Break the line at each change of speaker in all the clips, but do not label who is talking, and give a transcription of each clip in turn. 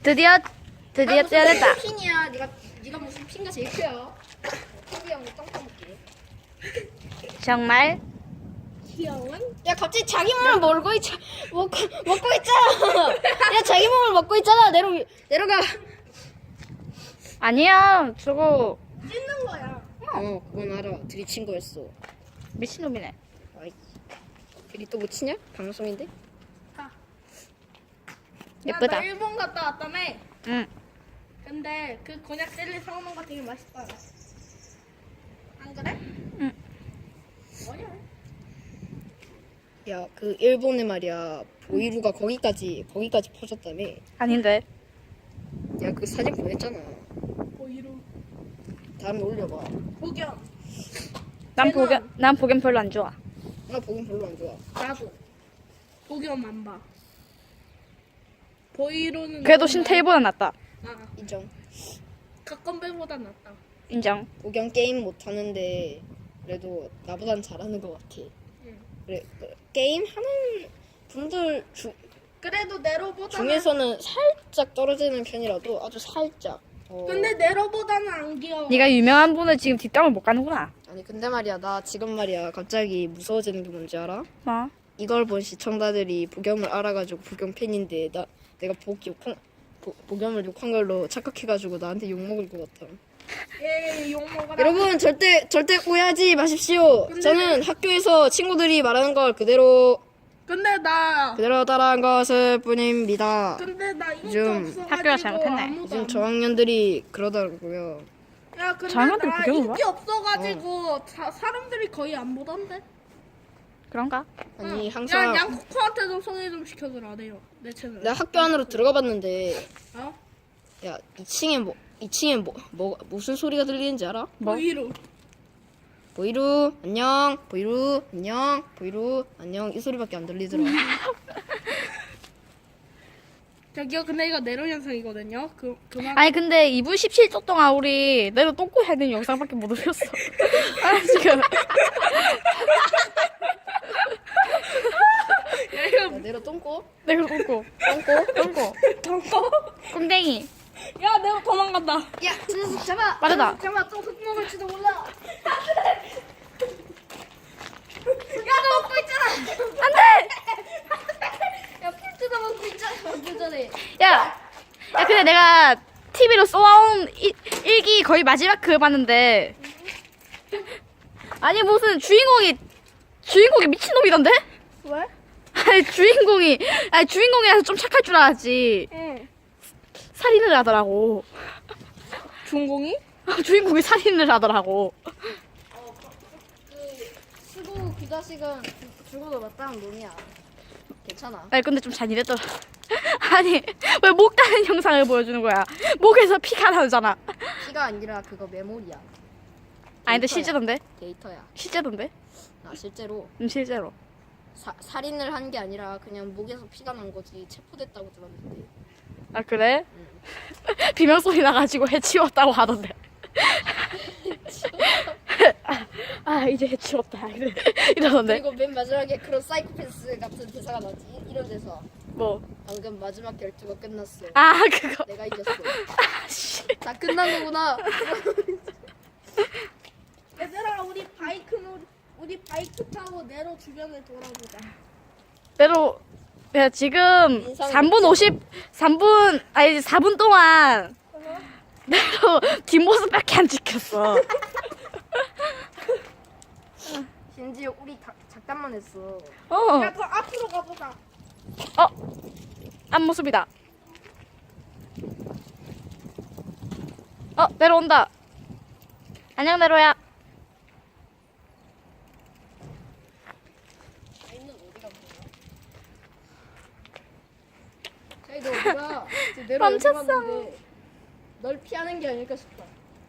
드디어 떼어냈다.
무슨 핀이야? 네가 무슨 핀가 제일 커요? 태비 형이 똥 까먹게.
정말
귀여운? 야 갑자기 자기 몸을 먹고 있잖아. 야 자기 몸을 먹고 있잖아. 내려가.
아니야. 저거
찢는 거야. 그건 알아. 들이친 거였어.
미친놈이네.
아이, 들이 또 못 치냐? 방송인데?
예쁘다.
나 일본 갔다 왔다며.
응.
근데 그 곤약 젤리 사오는 거 되게 맛있다. 안 그래?
응.
뭐냐?
야, 그 일본에 말이야. 보이루가 거기까지 퍼졌다며.
아닌데.
야, 그 사진 보냈잖아.
보이루.
다음에 올려봐.
복연.
난 보겸 별로 안 좋아.
나 보긴 별로 안 좋아.
나도. 복연만 봐. 보이루는.
그래도
너무
신태일보다 낫다.
많아.
인정.
각건배보다 낫다.
인정.
보경 게임 못하는데 그래도 나보단 잘하는 것 같아.
응.
그래, 게임 하는 분들
그래도 네로보다.
중에서는 살짝 떨어지는 편이라도 아주 살짝.
근데 네로보다는 안 귀여워.
네가 유명한 분을 지금 뒷담을 못 가는구나.
아니 근데 말이야 나 지금 말이야 갑자기 무서워지는 게 뭔지 알아?
뭐?
이걸 본 시청자들이 보겸을 알아가지고 보겸 팬인데 내가 보겸을 욕한 걸로 착각해가지고 나한테 욕 먹을 것 같아.
예, 욕 먹어라.
여러분 절대 오해하지 마십시오. 저는 학교에서 친구들이 말하는 걸 그대로
근데 나
따라한 것을 뿐입니다.
인기
요즘
없어가지고
학교가 잘못했네.
아무도
요즘
안
저학년들이 그러더라고요.
야, 근데
장난들
나
구경을
인기 없어가지고 사람들이 거의 안 보던데.
그런가?
아니
야,
항상
양코코한테도 소개 좀 시켜주라 돼요. 내 채널.
내가 학교 안으로 들어가 봤는데
어?
야 2층에 무슨 소리가 들리는지 알아?
뭐?
보이루.
보이루 안녕 보이루 안녕 보이루 안녕 이 소리밖에 안 들리더라.
저기요, 근데 이거 내로 현상이거든요. 그만.
아니 근데 2분 17초 동안 우리 내가 똥꼬 해야 되는 영상밖에 못 올렸어. 아 지금.
야, 내려 똥꼬
내가 똥꼬. 똥꼬. 꽁댕이.
야, 내로 도망간다.
야 저 녀석 잡아
빠르다.
잠깐만, 또 흙 먹을지도 몰라. 야,
너 먹고 있잖아.
안돼.
야풀 뜯어먹고 있잖아 그 전에.
야 근데 내가 TV로 쏘아온 일기 거의 마지막 그걸 봤는데 아니 무슨 주인공이 미친놈이던데?
왜?
아니 주인공이라서 좀 착할 줄 알았지.
응.
살인을 하더라고.
중공이?
주인공이 살인을 하더라고.
수고 그 자식은 죽어도 마땅한 놈이야. 괜찮아.
아니 근데 좀 잔인했더라. 아니 왜 목 따는 영상을 보여주는 거야? 목에서 피가 나잖아.
피가 아니라 그거 메모리야.
아니 근데
데이터야.
실제던데?
데이터야.
실제던데?
실제로
실제로.
살인을 한 게 아니라 그냥 목에서 피가 난 거지 체포됐다고 들었는데.
아 그래? 비명 소리 나가지고 해치웠다고 하던데. 이제 해치웠다 이러던데.
그리고 맨 마지막에 그런 사이코패스 같은 대사가 나지. 이런 데서
뭐?
방금 마지막 결투가 끝났어.
그거.
내가 이겼어.
씨.
다 끝난 거구나.
얘들아, 우리 바이크 타고 내로 주변을 돌아보자.
내로 야 지금
인상이
4분 동안 내로 뒷모습밖에 안 찍혔어.
심지어 우리 작담만 했어.
야, 그 앞으로 가보자.
앞모습이다. 내려온다. 안녕 내로야.
아이는 어디가 뭐야? 자이 너 어디가? 지금 내려
멈췄어.
여기 왔는데 널 피하는 게 아닐까 싶다.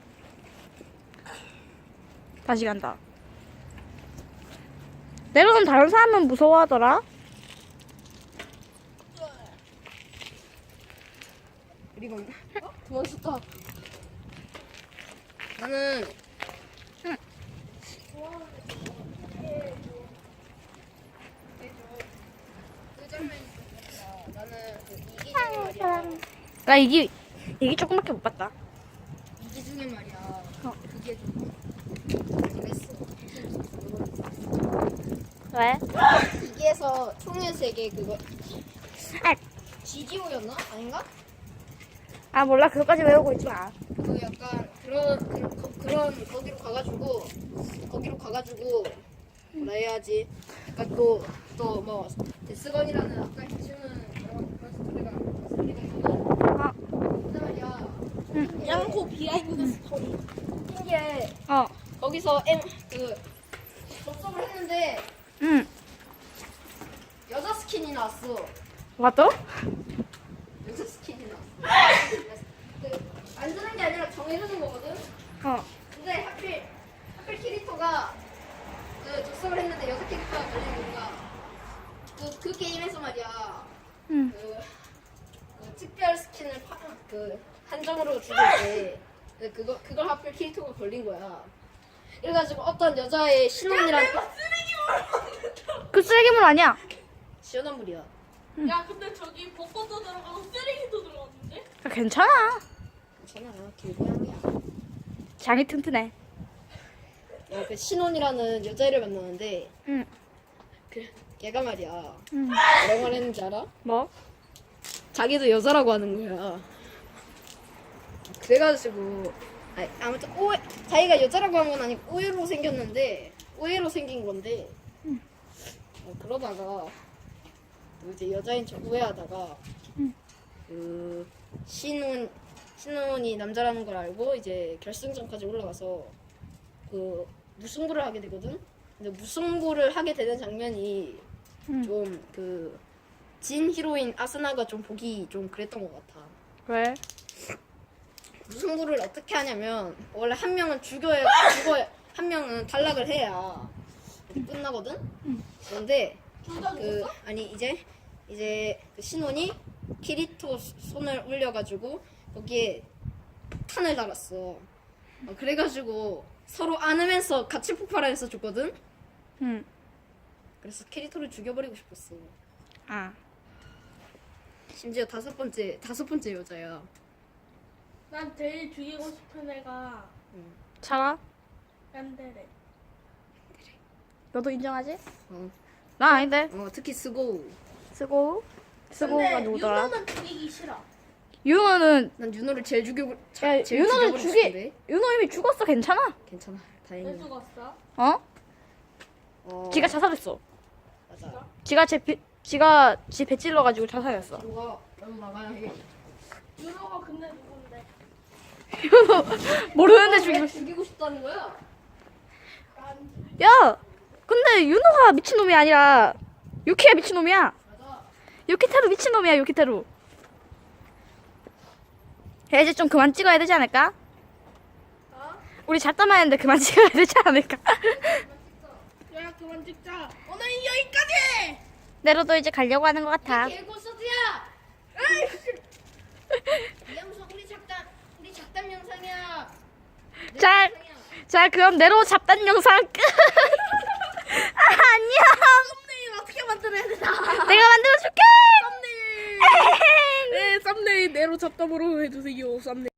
다시 간다. 내로는 다른 사람은 무서워하더라.
그리고 도망쳤다. 나는 그 장면이 좋겠다. 나는 그 이기는 말이야.
나 이게 조금밖에 못 봤다.
이기 중에 말이야.
어.
그게 좀 그랬어.
왜?
이기에서 총의 세계 그거
아,
GDO였나? 아닌가?
아 몰라 그것까지 외우고 있지 마.
그 약간 그런 거기로 가가지고 뭐라 해야지? 약간 또 뭐 데스건이라는 아까 해주는 그런 스토리가 있거든.
아,
근데 말이야.
양코 비하인드 스토리.
신기해.
어,
거기서 접속을 했는데
응.
여자 스킨이 나왔어.
맞다?
여자 스킨이 나왔어. 안 주는 게 아니라 정해주는 거거든.
어,
근데 하필 캐릭터가 접속을 했는데 여자 캐릭터가 걸린 이유가 그 게임에서 말이야.
응.
그 특별 스킨을 한정으로 주고 때 그걸 하필 캐릭터가 걸린 거야. 그래가지고 어떤 여자의 신혼이란
그 쓰레기물 아니야?
시원한 물이야.
야 근데 저기 벚꽃도 들어가고 쓰레기도 들어갔는데?
괜찮아.
괜찮아, 길고양이야.
장이 튼튼해.
그 신혼이라는 여자애를 만나는데
응.
걔가 말이야.
응.
뭐라고 말했는지 알아?
뭐?
자기도 여자라고 하는 거야. 그래가지고 아무튼 자기가 여자라고 한 건 아니고 오해로 생긴 건데 그러다가 또 이제 여자인 척 오해하다가
응.
그 신혼이 남자라는 걸 알고 이제 결승전까지 올라가서 그 무승부를 하게 되거든. 근데 무승부를 하게 되는 장면이
응.
좀 진 히로인 아스나가 좀 보기 좀 그랬던 것 같아.
왜?
무승부를 어떻게 하냐면 원래 한 명은 한 명은 탈락을 해야 끝나거든. 그런데
둘다 죽었어?
아니 이제 그 신혼이 키리토 손을 올려가지고 거기에 폭탄을 달았어. 그래가지고 서로 안으면서 같이 폭발해서 죽거든.
응.
그래서 키리토를 죽여버리고 싶었어.
아.
심지어 다섯 번째 여자야.
난 제일 죽이고 싶은 애가
차가?
얀데레.
너도 인정하지?
어,
나 아닌데.
특히 쓰고가
근데
누구더라?
유노는 죽이기 싫어.
윤호는
난 윤호를 제일
윤호는
죽여버리고 싶은데.
윤호 이미 죽었어. 괜찮아.
괜찮아,
왜
다행이야.
죽었어?
어? 지가 자살했어.
맞아.
지가 지 배 찔러가지고 자살했어.
너가 나가야 해.
유노가 근데 누군데?
모르는데
왜 죽이고 싶다는 거야?
야, 근데 윤호가 미친놈이 아니라 유키가 미친놈이야.
맞아.
유키테루 미친놈이야. 유키테루. 야, 이제 좀 그만 찍어야 되지 않을까?
어?
우리 잡담만 했는데 그만 찍어야 되지 않을까?
야 그만 찍자. 오늘은 여기까지.
내로도 이제 가려고 하는 것 같아.
개고수드야. 이영수 우리 작담 영상이야.
자, 그럼 내로 잡단 영상 끝. 안녕.
썸네일 어떻게 만들어야 되나?
내가 만들어줄게.
썸네일. 네 썸네일 내로 잡담으로 해주세요. 썸네일.